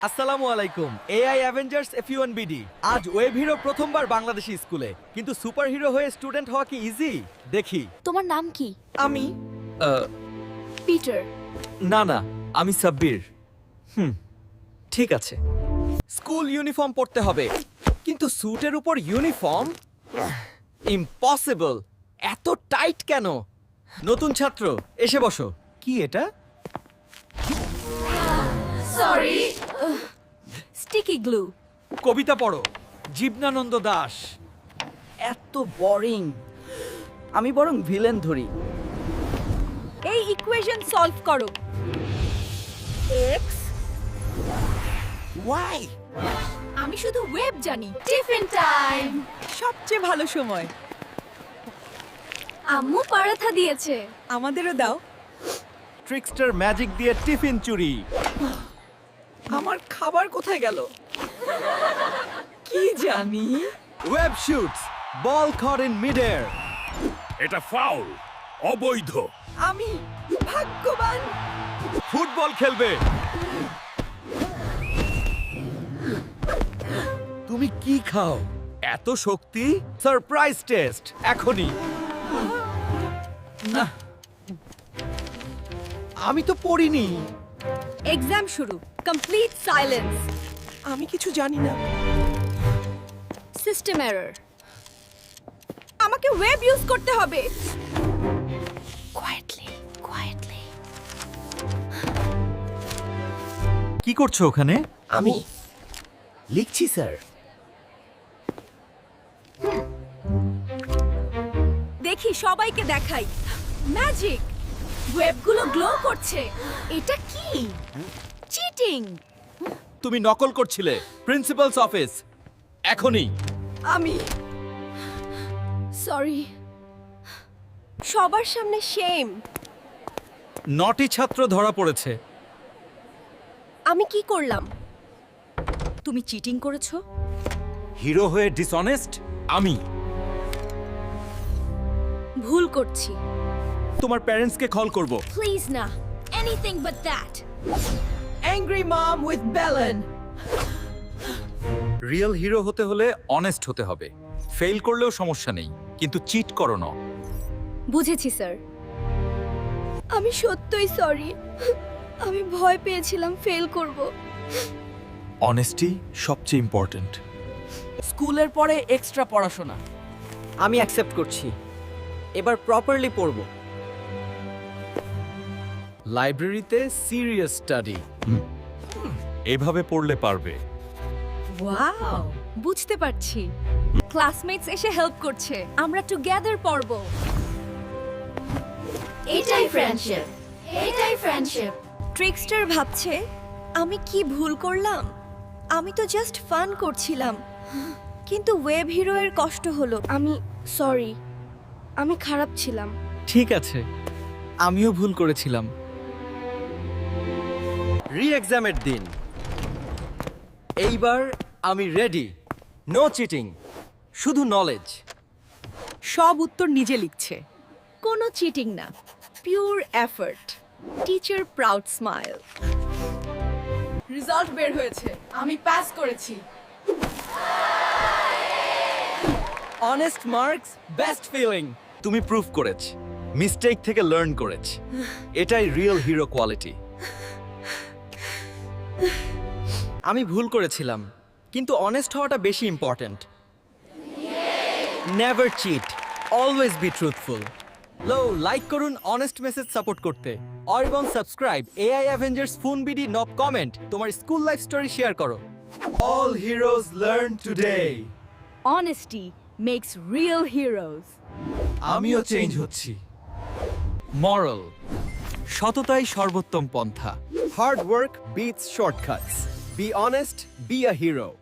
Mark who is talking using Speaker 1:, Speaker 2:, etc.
Speaker 1: আসসালামু আলাইকুম AI Avengers F1BD আজ ওয়েব হিরো প্রথমবার বাংলাদেশি স্কুলে কিন্তু সুপার হিরো হয়ে স্টুডেন্ট হওয়া কি ইজি দেখি
Speaker 2: তোমার নাম কি?
Speaker 1: আমি
Speaker 2: পিটার।
Speaker 1: না আমি সাব্বির ঠিক আছে স্কুল ইউনিফর্ম পরতে হবে কিন্তু স্যুটের উপর ইউনিফর্ম ইম্পসিবল এত টাইট কেন নতুন ছাত্র এসে বসো কি এটা
Speaker 2: সরি। Sticky glue.
Speaker 1: কবিতা পড়ো জীবনানন্দ দাশ
Speaker 3: এত বোরিং আমি বরং ভিলেন ধরি
Speaker 2: এই ইকুয়েশন সলভ করো। x
Speaker 3: ওয়াই
Speaker 2: আমি শুধু ওয়েব জানি। Tiffin time.
Speaker 3: সবচেয়ে ভালো সময়
Speaker 2: আম্মু পরাঠা দিয়েছে।
Speaker 3: আমাদেরও দাও
Speaker 1: ট্রিকস্টার ম্যাজিক দিয়ে টিফিন চুরি
Speaker 3: আমার খাবার কোথায় গেল কি জানি
Speaker 1: web shoots ball caught in mid air
Speaker 4: এটা ফাউল অবৈধ
Speaker 3: আমি ভাগ্যবান
Speaker 1: ফুটবল খেলবে তুমি কি খাও এত শক্তি সারপ্রাইজ টেস্ট এখনই না আমি তো পড়িনি
Speaker 2: এক্সাম শুরু। Complete silence.
Speaker 3: আমি কিছু জানি না
Speaker 2: সিস্টেম এরর। আমাকে ওয়েব ইউজ করতে হবে। কোয়েটলি।
Speaker 1: কি করছো ওখানে
Speaker 3: আমি লিখছি স্যার
Speaker 2: দেখি সবাইকে দেখাই। ম্যাজিক। ওয়েবগুলো গ্লো করছে। এটা কি? চিটিং।
Speaker 1: তুমি নকল করছিলে প্রিন্সিপালস অফিস এখনই
Speaker 2: আমি সরি। সবার সামনে শেম।
Speaker 1: নটি ছাত্র ধরা পড়েছে
Speaker 2: আমি কি করলাম? তুমি চিটিং করেছো?
Speaker 1: হিরো হয়ে ডিসঅনেস্ট আমি
Speaker 2: ভুল করছি।
Speaker 1: তোমার প্যারেন্টসকে কল করব
Speaker 2: প্লিজ না। Anything but that.
Speaker 3: Angry mom with বেলন
Speaker 1: রিয়েল হিরো হতে হলে অনেস্ট হতে হবে ফেল করলেও সমস্যা নেই কিন্তু চিট করো না
Speaker 2: বুঝেছি স্যার। আমি সত্যই সরি। আমি ভয় পেয়েছিলাম ফেল করব।
Speaker 1: অনেস্টি সবচেয়ে ইম্পর্ট্যান্ট
Speaker 3: স্কুলের পরে এক্সট্রা পড়াশোনা আমি অ্যাকসেপ্ট করছি এবার প্রপারলি পড়ব
Speaker 1: লাইব্রেরিতে সিরিয়াস স্টাডি এভাবে পড়লে পারবে
Speaker 2: ওয়াও, বুঝতে পারছি। ক্লাসমেটস এসে হেল্প করছে। আমরা টুগেদার পড়ব। এটাই ফ্রেন্ডশিপ। ট্রিকস্টার ভাবছে আমি কি ভুল করলাম। আমি তো জাস্ট ফান করছিলাম কিন্তু ওয়েব হিরো এর কষ্ট হলো। আমি সরি। আমি খারাপ ছিলাম।
Speaker 1: ঠিক আছে আমিও ভুল করেছিলাম রি এক্সামের দিন এইবার আমি রেডি নো চিটিং শুধু নলেজ
Speaker 3: সব উত্তর নিজে লিখছে
Speaker 2: কোনো চিটিং না, pure effort. Teacher proud smile.
Speaker 3: Result বের হয়েছে আমি পাস করেছি
Speaker 1: অনেস্ট মার্কস বেস্ট ফিলিং তুমি প্রুফ করেছ মিস্টেক থেকে লার্ন করেছ এটাই রিয়েল হিরো কোয়ালিটি আমি ভুল করেছিলাম কিন্তু অনেস্ট হওয়াটা বেশি important never cheat always be truthful like করুন অনেস্ট মেসেজ সাপোর্ট করতে আর এবং সাবস্ক্রাইব এআই অ্যাভেঞ্জার্স FunBD নব কমেন্ট তোমার স্কুল লাইফ স্টোরি শেয়ার করো all heroes learn today
Speaker 2: Honesty makes real heroes.
Speaker 1: আমিও চেঞ্জ হচ্ছি মরাল সততাই সর্বোত্তম পন্থা hard work beats shortcuts be honest be a hero